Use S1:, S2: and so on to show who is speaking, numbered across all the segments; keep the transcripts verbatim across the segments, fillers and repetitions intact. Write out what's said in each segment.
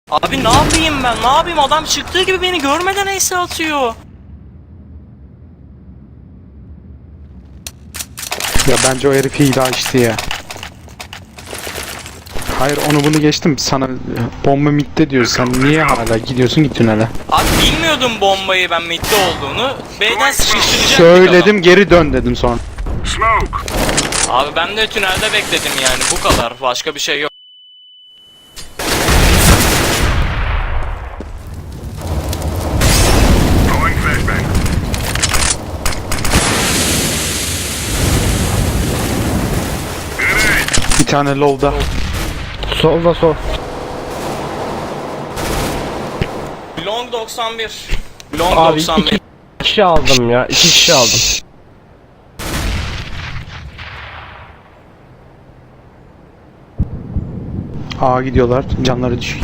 S1: Abi ne yapayım ben? Ne yapayım? Adam çıktığı gibi beni görmeden ace atıyor.
S2: Ya bence o herif hile açtı ya. Hayır, onu bunu geçtim. Sana bomba midde diyor. Sen niye hala gidiyorsun git tünele?
S1: Abi bilmiyordum bombayı ben midde olduğunu. B'den sıkıştıracaktık
S2: Söyledim, geri dön dedim sonra.
S1: adam. Abi ben de tünelde bekledim yani bu kadar. Başka bir şey yok.
S2: Bir tane low'da.
S3: Solda sol.
S1: Long doksan bir. Long
S3: Abi
S1: doksan bir.
S3: iki kişi aldım ya. iki kişi aldım.
S2: A gidiyorlar. Canları düşük.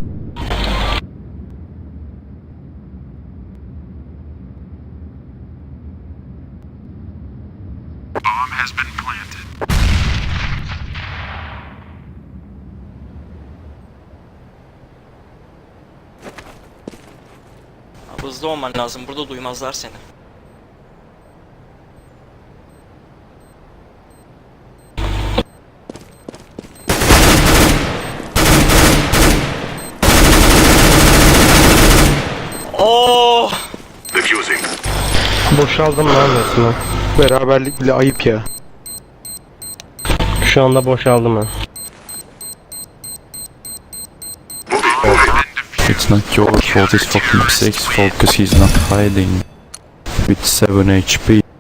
S1: Abi hızlı olman lazım. Burada duymazlar seni. Oh!
S3: Boşaldım lan resmen.
S2: Beraberlik bile ayıp ya.
S3: Şu anda boşaldım ben.
S4: It's not your fault, it's fucking six fault because he's not hiding with seven H P.